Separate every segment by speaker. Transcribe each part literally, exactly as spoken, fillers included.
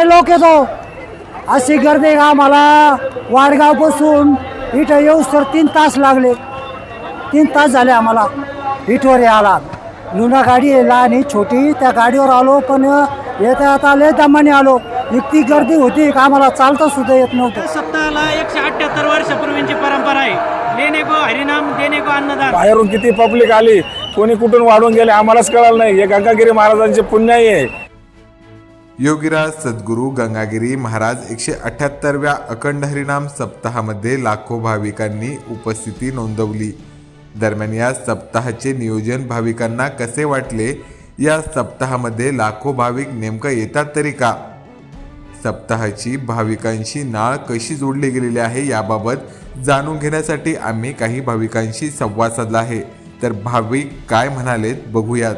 Speaker 1: लोक येतो, अशी गर्दी का आम्हाला वाडगावपासून इथं येऊस तर तीन तास लागले. तीन तास झाले आम्हाला इथवर यायला. लुना गाडी आहे लहान छोटी, त्या गाडीवर आलो, पण येता आता लय दमाने आलो. इतकी गर्दी होती का आम्हाला चालता सुद्धा येत नव्हतं.
Speaker 2: सप्ताहाला एकशे अठ्ठ्याहत्तर वर्षापूर्वीची परंपरा आहे. लेने को हरिनाम देने को अन्नदान.
Speaker 3: बाहेरून किती पब्लिक आली, कोणी कुठून वाढून गेले आम्हालाच कळलं नाही. हे गंगागिरी महाराजांचे पुण्य आहे.
Speaker 4: योगीराज सद्गुरू गंगागिरी महाराज एकशे अठ्ठ्याहत्तरव्या अखंड हरिनाम सप्ताहामध्ये लाखो भाविकांनी उपस्थिती नोंदवली. दरम्यान या सप्ताहाचे नियोजन भाविकांना कसे वाटले? या सप्ताहामध्ये लाखो भाविक नेमकं येतात तरी का? सप्ताहाची भाविकांशी नाळ कशी जोडली गेलेली आहे याबाबत जाणून घेण्यासाठी आम्ही काही भाविकांशी संवाद साधला आहे. तर भाविक काय म्हणालेत बघूयात.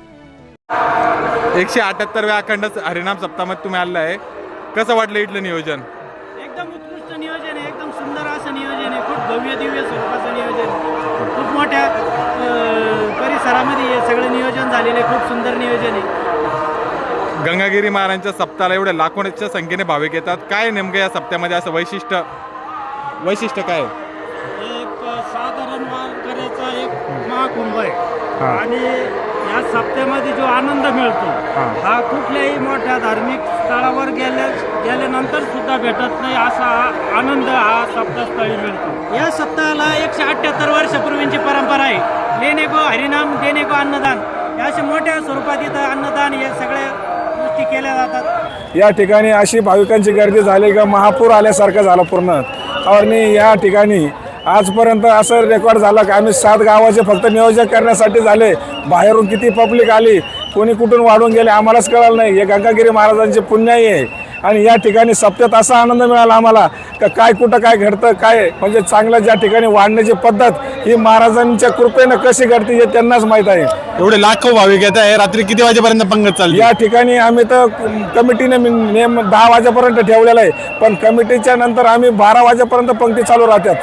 Speaker 5: एकशे अठ्ठ्याहत्तरव्या अखंड हरिनाम सप्ताहामध्ये तुम्ही आलेला आहे, कसं वाटलं इथलं नियोजन?
Speaker 2: एकदम उत्कृष्ट नियोजन आहे, एकदम सुंदर असं नियोजन आहे. खूप भव्य दिव्य स्वरूपाचं नियोजन आहे. खूप मोठ्या अं, परिसरामध्ये हे सगळं नियोजन झालेलं आहे. खूप सुंदर नियोजन आहे.
Speaker 5: गंगागिरी महाराजांच्या सप्ताहाला एवढ्या लाखोच्या संख्येने भाविक येतात. काय नेमकं या सप्त्यामध्ये असं वैशिष्ट्य वैशिष्ट्य काय?
Speaker 2: एक साधारण वारकऱ्याचा एक महाकुंभ आहे आणि या सप्त्यामध्ये जो आनंद मिळतो हा कुठल्याही मोठ्या धार्मिक स्थळावर गेल्या गेल्यानंतर सुद्धा भेटत नाही. असा हा आनंद हा सप्ताहस्थळी मिळतो. या सप्ताहाला एकशे अठ्ठ्याहत्तर वर्षापूर्वीची परंपरा आहे. लेने को हरिनाम देने को अन्नदान. या अशा मोठ्या स्वरूपात इथं अन्नदान हे सगळ्या गोष्टी केल्या जातात.
Speaker 3: या ठिकाणी अशी भाविकांची गर्दी झाली का महापूर आल्यासारखं झालं पूर्ण. आणि या ठिकाणी आजपर्यंत असं रेकॉर्ड झालं की आम्ही सात गावाचे फक्त नियोजन करण्यासाठी झाले. बाहेरून किती पब्लिक आली, कोणी कुठून वाढून गेले आम्हालाच कळलं नाही. हे गंगागिरी महाराजांचे पुण्य आहे. आणि या ठिकाणी सप्त्यात असा आनंद मिळाला आम्हाला का काय कुठं काय घडतं काय म्हणजे चांगलं ज्या ठिकाणी वाढण्याची पद्धत ही महाराजांच्या कृपेनं कशी घडते हे त्यांनाच माहीत आहे.
Speaker 5: एवढे लाखो भाविक येत आहे. रात्री किती वाजेपर्यंत पंगत चालली?
Speaker 3: या ठिकाणी आम्ही तर कमिटीने नेम दहा वाजेपर्यंत ठेवलेला आहे, पण कमिटीच्या नंतर आम्ही बारा वाजेपर्यंत पंक्ती चालू राहतात.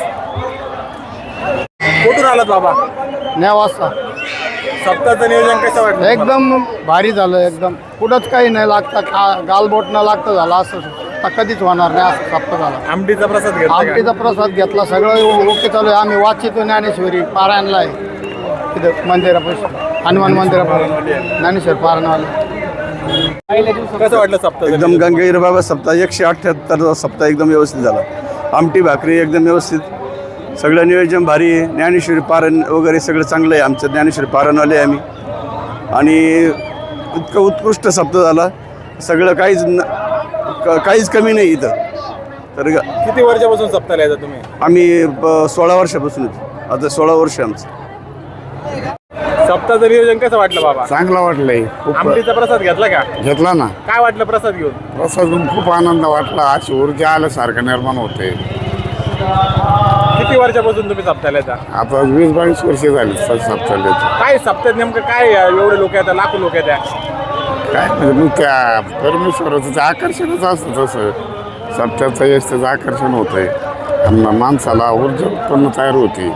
Speaker 5: कुठून आलात बाबा?
Speaker 6: नेवासा.
Speaker 5: सप्ताहाचं नियोजन कसं वाटलं?
Speaker 6: एकदम भारी झालं. एकदम कुठंच काही नाही लागतं, खा गालबोट न लागतं झालं असं आता कधीच होणार नाही. असं सप्ताह झाला.
Speaker 5: आमटीचा प्रसाद घेतला का?
Speaker 6: आमटीचा प्रसाद घेतला, सगळं ओके चालू आहे. आम्ही वाचितो ज्ञानेश्वरी पारायणला आहे तिथं मंदिरापासून, हनुमान मंदिरापासून ज्ञानेश्वर पारायणवाला.
Speaker 5: कसं वाटलं सप्ताह?
Speaker 7: एकदम गंगागिरी बाबा सप्ताह एकशे अठ्ठ्याहत्तर सप्ताह एकदम व्यवस्थित झाला. आमटी भाकरी एकदम व्यवस्थित, सगळं नियोजन भारी आहे. ज्ञानेश्वरी पारण वगैरे सगळं चांगलं आहे. आमचं ज्ञानेश्वरी पारणवाले आहे आम्ही. आणि इतकं उत्कृष्ट सप्ताह झाला. सगळं काहीच न काहीच कमी नाही इथं. तर
Speaker 5: किती वर्षापासून सप्ताहाला येतात तुम्ही?
Speaker 7: आम्ही ब- सोळा वर्षापासून आता सोळा वर्ष आमचं.
Speaker 5: सप्ताहाचं नियोजन कसं वाटलं बाबा?
Speaker 6: चांगलं वाटलंय. खूप
Speaker 5: आमटीचा प्रसाद घेतला का?
Speaker 6: घेतला ना.
Speaker 5: काय वाटलं प्रसाद घेऊन?
Speaker 6: प्रसाद खूप आनंद वाटला. अशी ऊर्जा आल्यासारखं निर्माण होते.
Speaker 5: किती वर्षापासून तुम्ही सप्ताहाला येता?
Speaker 6: आता वीस बावीस वर्ष झाली सप्ताहाला.
Speaker 5: काय सप्त्यात नेमकं काय एवढे लोक येतात, लाखो लोक येतात?
Speaker 6: काय म्हणजे मग त्या परमेश्वराचं ते आकर्षणच असतं. तसं सप्त्याचं यश त्याचं आकर्षण होत आहे. आणि माणसाला ऊर्जा उत्पन्न तयार होती.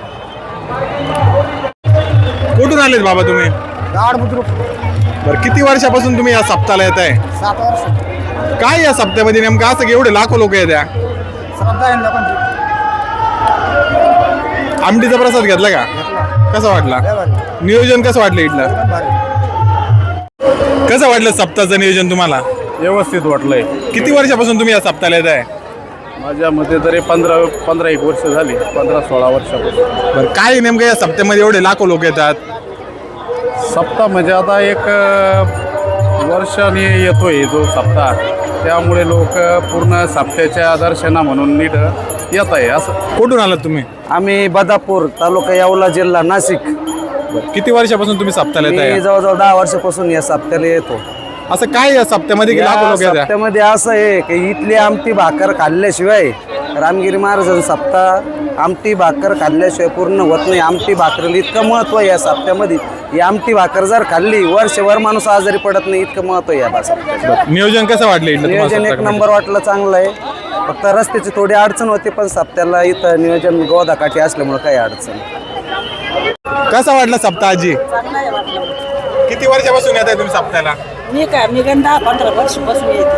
Speaker 5: कुठून आलेत बाबा तुम्ही? बरं, किती वर्षापासून तुम्ही या सप्ताहाला येत आहे?
Speaker 1: सात वर्ष
Speaker 5: काय या सप्त्यामध्ये नेमकं असं की एवढे लाखो लोक येत्या? आमटीचा प्रसाद घेतला का? कसा वाटला? नियोजन कसं वाटलं इथलं? कसं वाटलं सप्ताहाचं नियोजन तुम्हाला?
Speaker 3: व्यवस्थित वाटलंय.
Speaker 5: किती वर्षापासून तुम्ही या सप्ताहाला येत आहे?
Speaker 3: माझ्या मते तरी पंधरा पंधरा एक वर्ष झाली, पंधरा सोळा वर्षापासून.
Speaker 5: बरं, काय नेमकं या सप्त्यामध्ये एवढे लाखो लोक येतात?
Speaker 3: सप्ताह म्हणजे आता एक वर्षाने येतोय जो सप्ताह, त्यामुळे लोक पूर्ण सप्त्याच्या दर्शना म्हणून नीट येत आहे. असं.
Speaker 5: कुठून आलात तुम्ही?
Speaker 1: आम्ही बदापूर तालुका येवला जिल्हा नाशिक.
Speaker 5: किती वर्षापासून तुम्ही सप्ताहाला येत
Speaker 1: मी
Speaker 5: आहे?
Speaker 1: जवळजवळ दहा वर्षापासून या सप्त्याला येतो.
Speaker 5: असं काय या सप्त्यामध्ये की लाखो
Speaker 1: या
Speaker 5: लोक येतात?
Speaker 1: सप्त्यामध्ये असं आहे की इथली आमटी भाकर खाल्ल्याशिवाय रामगिरी महाराजांचा सप्ताह आमटी भाकर खाल्ल्याशिवाय पूर्ण होत नाही. आमटी भाकरीला इतकं महत्त्व आहे या सप्त्यामध्ये. ही आमटी भाकर जर खाल्ली वर्षभर माणूस आजारी पडत नाही, इतकं महत्त्व आहे या सप्त्याचं.
Speaker 5: नियोजन कसं वाटलं इथलं तुम्हाला
Speaker 1: नियोजन एक
Speaker 5: सप्त्यामध्ये?
Speaker 1: नंबर वाटलं, चांगलं आहे. फक्त रस्त्याची थोडी अडचण होती, पण सप्त्याला इथं नियोजन गोदाकाठी असल्यामुळे काही अडचण.
Speaker 5: कसा वाटला सप्ताहाजी? किती वर्षापासून येत आहे तुम्ही सप्त्याला?
Speaker 8: मी काय मी गंधा पंधरा वर्षापासून येते.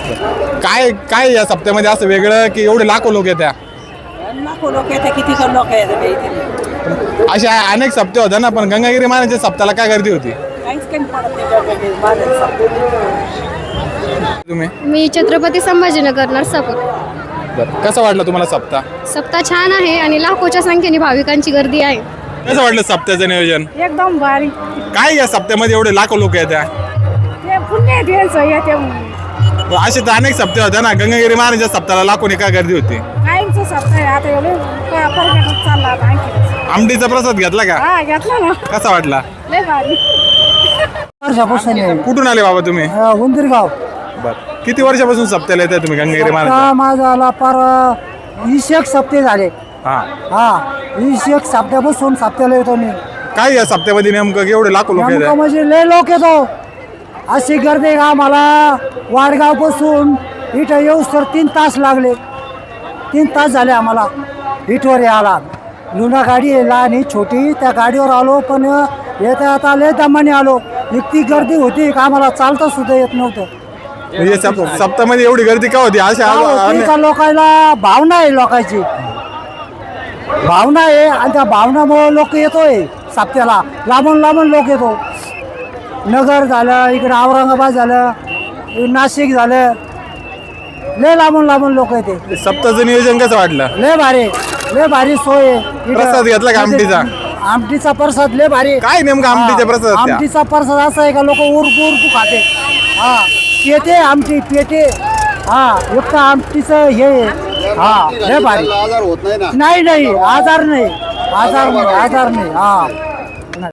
Speaker 5: काय काय या सप्त्यामध्ये असं वेगळं की एवढे लाखो लोक येत्या?
Speaker 8: लाखो लोक येतात, किती कर लोक येतात इथे.
Speaker 5: अशा अनेक सप्ते होत्या ना, पण गंगागिरी महाराजांच्या सप्त्याला काय गर्दी होती?
Speaker 8: काहीच कमी पडत नाही गंगागिरी महाराजांचं.
Speaker 5: तुम्ही
Speaker 9: मी छत्रपती संभाजीनगर नरसापूर.
Speaker 5: बरं, कसं वाटलं तुम्हाला सप्ताह?
Speaker 9: सप्ताह छान आहे आणि लाखोच्या संख्येने भाविकांची गर्दी आहे.
Speaker 5: कसं वाटलं सप्त्याचं नियोजन?
Speaker 8: एकदम भारी.
Speaker 5: काय या सप्त्यामध्ये एवढे लाखो लोक येत्या?
Speaker 8: ते पुण्य द्यायचं येते
Speaker 5: असे तर अनेक सप्ते होत्या ना, गंगागिरी महाराजांच्या सप्त्याला लाखोनी काय गर्दी होती?
Speaker 8: कायमचं सप्ताह आहे. आता एवढे परगटत चालला आता आणखी.
Speaker 5: आमटीचा प्रसाद घेतला का?
Speaker 8: हा घेतला ना,
Speaker 5: कसा वाटला?
Speaker 8: लय भारी.
Speaker 1: वर्षापासून आहे.
Speaker 5: कुठून आले बाबा तुम्ही?
Speaker 1: अ, उंदीरगाव.
Speaker 5: बरं, किती वर्षापासून सप्त्याला येताय तुम्ही गंगागिरी महाराज?
Speaker 1: आता माझा आला पार वीस एक सप्ते झाले.
Speaker 5: हा,
Speaker 1: हा वीस एक सप्त्यापासून सप्त्याला येतो मी.
Speaker 5: काय या सप्त्यामध्ये नेमकं एवढे लाखो लोक
Speaker 1: नेमकं
Speaker 5: येतात?
Speaker 1: म्हणजे लय लोक येतो. अशी गर्दी का मला वाडगाव पासून इथं येऊस तर तीन तास लागले. तीन तास झाले आम्हाला इथवर यायला. लुना गाडी आहे लहान ही छोटी, त्या गाडीवर आलो, पण येता आता लय दमाने आलो. इतकी गर्दी होती का आम्हाला चालता सुद्धा येत नव्हतं.
Speaker 5: म्हणजे सप- सप्त्यामध्ये एवढी गर्दी का होती? अशा
Speaker 1: का होती का लोकांना भावना आहे, लोकांची भावना आहे आणि त्या भावनामुळे लोक येतोय सप्त्याला. लांबून लांबून लोक येतो. नगर झालं, इकडे औरंगाबाद झालं, नाशिक झालं, लय लांबून लांबून लोक येते.
Speaker 5: सप्ताहाचं नियोजन कसं वाटलं?
Speaker 1: लय भारी, लय भारी सोय आहे. इथं-
Speaker 5: प्रसाद घेतला का आमटीचा?
Speaker 1: आमटीचा प्रसाद लय भारी.
Speaker 5: काय नेमकं आमटीच्या
Speaker 1: हा,
Speaker 5: प्रसाद?
Speaker 1: आमटीचा प्रसाद असा आहे का लोक उरकू उरकू खाते. हा पेटे आमटी पेटे. हा युक्त आमटीचं हे आहे. हा लय भारी. नाही नाही आजार नाही आजार नाही आजार नाही हा